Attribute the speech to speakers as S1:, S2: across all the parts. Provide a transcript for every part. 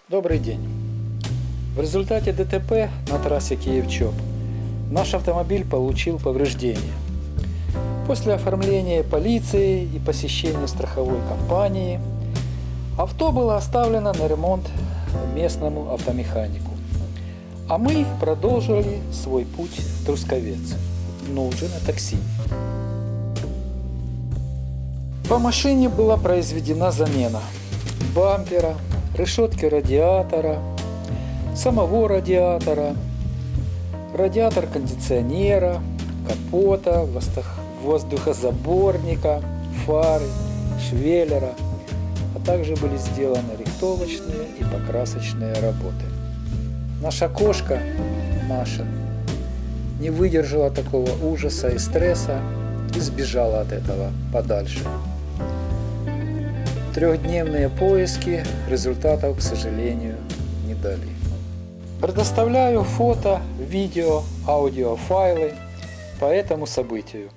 S1: Добрый день. В результате ДТП на трассе Киев-Чоп наш автомобиль получил повреждения. После оформления полиции и посещения страховой компании авто было оставлено на ремонт местному автомеханику. А мы продолжили свой путь в Трусковец, но уже на такси. По машине была произведена замена бампера, решетки радиатора, самого радиатора, радиатор кондиционера, капота, воздухозаборника, фары, швеллера, а также были сделаны рихтовочные и покрасочные работы. Наша кошка, Маша, не выдержала такого ужаса и стресса и сбежала от этого подальше. Трехдневные поиски результатов, к сожалению, не дали. Предоставляю фото, видео, аудиофайлы по этому событию.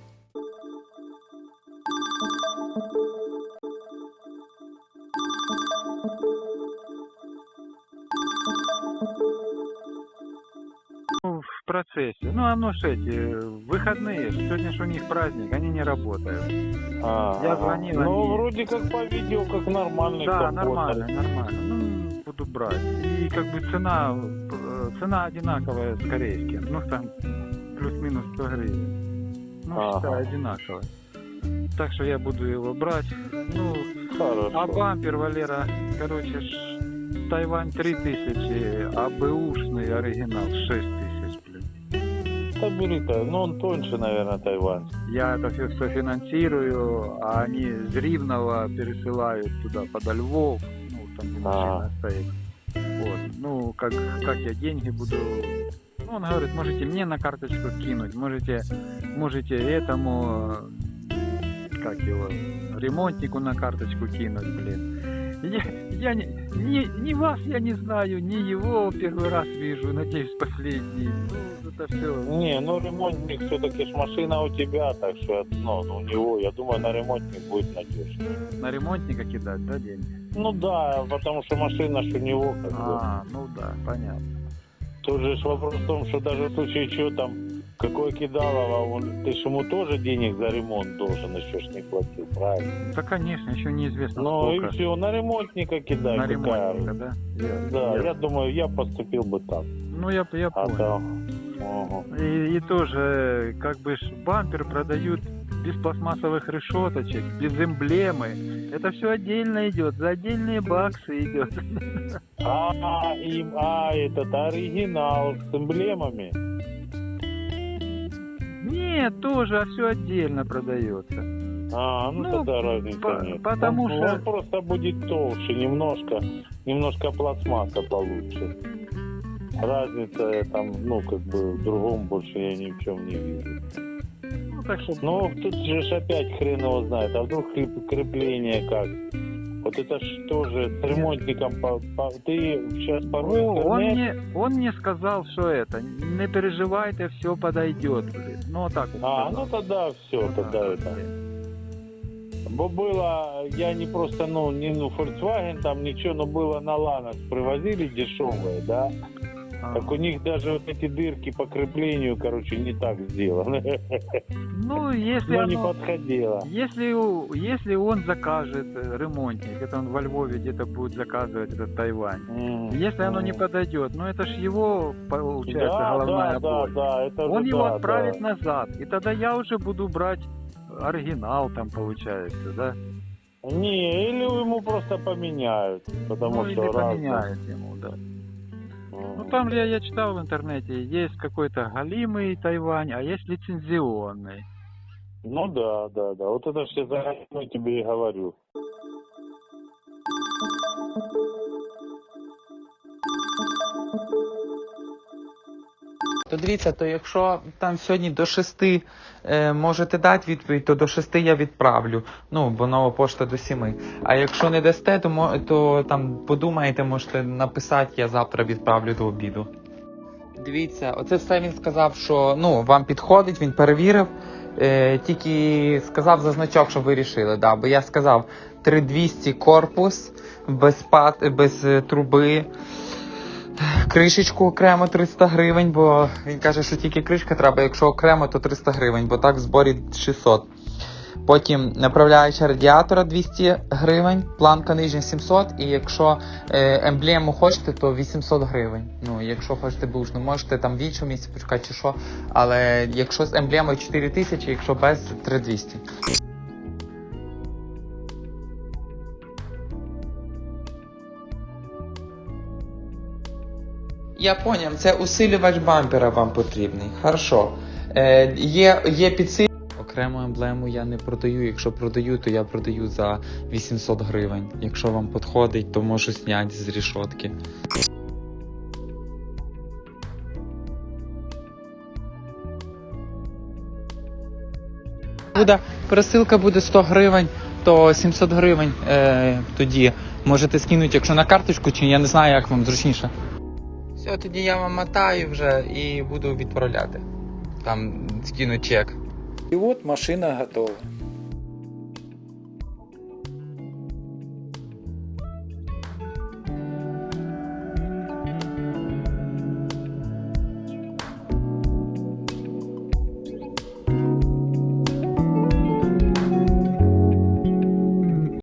S2: В процессе. Ну, оно ж выходные, сегодня ж у них праздник, они не работают. Я звонил,
S3: Ну,
S2: они...
S3: вроде как по видео, как нормальный
S2: Да,
S3: капот.
S2: нормально. Ну, буду брать. И как бы цена одинаковая с корейским. Ну, там плюс-минус 100 гривен. Ну, считай, одинаково. Так что я буду его брать. Ну,
S3: Хорошо.
S2: а бампер, Валера, короче, Тайвань 3000, а бэушный оригинал 6000, блин.
S3: Да бери-то, ну он тоньше, наверное, Тайвань.
S2: Я это все финансирую, а они с Ривного пересылают туда, подо Львов, ну, там где машина стоит. Вот, ну, как я деньги буду... Ну, он говорит, можете мне на карточку кинуть, можете этому, как его, ремонтнику на карточку кинуть, блин. Я ни вас я не знаю, ни его первый раз вижу, надеюсь, последний. Ну, это все.
S3: Не, ну ремонтник все-таки ж машина у тебя, так что, ну, у него, я думаю, на ремонтник будет надежно.
S2: На ремонтника кидать, да, деньги?
S3: Ну да, потому что машина ж у него, как бы.
S2: Ну да, понятно.
S3: Тут же ж вопрос в том, что даже в случае чего там, какое кидалово, ты ж ему тоже денег за ремонт должен, еще ж не платил, правильно?
S2: Да, конечно, еще неизвестно
S3: Ну
S2: сколько.
S3: и все, на ремонтника кидай.
S2: На
S3: какая
S2: ремонтника, да?
S3: Да, я думаю, я поступил бы так.
S2: Ну, я понял.
S3: Ага.
S2: И тоже, как бы, бампер продают без пластмассовых решеточек, без эмблемы. Это все отдельно идет, за отдельные баксы идет.
S3: Этот оригинал с эмблемами.
S2: Нет, тоже все отдельно продается.
S3: Ну тогда разницы нет.
S2: Потому
S3: он,
S2: что...
S3: он просто будет толще, немножко пластмасса получше. Разница там, ну, как бы в другом больше я ни в чем не вижу.
S2: Ну, так что...
S3: Ну, тут же ж опять хрен его знает, а вдруг крепление как? Вот это что же с ремонтником, ты сейчас порой
S2: он мне сказал, что это, не переживайте, все подойдет. Ну, вот так вот.
S3: Ну тогда все, тогда это. Бо было, я не просто, не Volkswagen там ничего, но было на Ланос привозили дешевые, да? Так у них даже вот эти дырки по креплению, короче, не так сделаны.
S2: Ну, если
S3: оно не подходило.
S2: Если он закажет ремонтник, это он во Львове где-то будет заказывать этот Тайвань. Если оно не подойдет, ну это ж его, получается, головная боль.
S3: Да, это
S2: он его отправит назад, и тогда я уже буду брать оригинал там, получается, да?
S3: Не, или ему просто поменяют, потому что
S2: или поменяют ему, да. Ну там я читал в интернете, есть какой-то галимый Тайвань, а есть лицензионный.
S3: Ну да. Вот это все заранее тебе и говорю.
S4: То дивіться, то якщо там сьогодні до 6 можете дати відповідь, то до 6 я відправлю. Ну, бо нова пошта до 7. А якщо не дасте, то там подумайте, можете написати, я завтра відправлю до обіду. Дивіться, оце все він сказав, що ну, вам підходить, він перевірив. Тільки сказав за значок, що ви рішили. Да, бо я сказав 3200 корпус, без труби, кришечку окремо 300 гривень, бо він каже, що тільки кришка треба, якщо окремо, то 300 гривень, бо так в зборі 600. Потім направляюча радіатора 200 гривень, планка нижня 700, і якщо емблему хочете, то 800 гривень. Ну, якщо хочете бушну, можете там в іншому місці почекати чи що, але якщо з емблемою 4000, якщо без 3200. Я поняв, це усилювач бампера вам потрібний. Хорошо. Є підсилювач. Окрему емблему я не продаю. Якщо продаю, то я продаю за 800 гривень. Якщо вам підходить, то можу зняти з рішотки. Пересилка буде 100 гривень, то 700 гривень тоді можете скинути, якщо на карточку, чи я не знаю, як вам зручніше. Все, тоді я вам мотаю вже і буду відправляти. Там скину чек.
S1: И вот машина готова.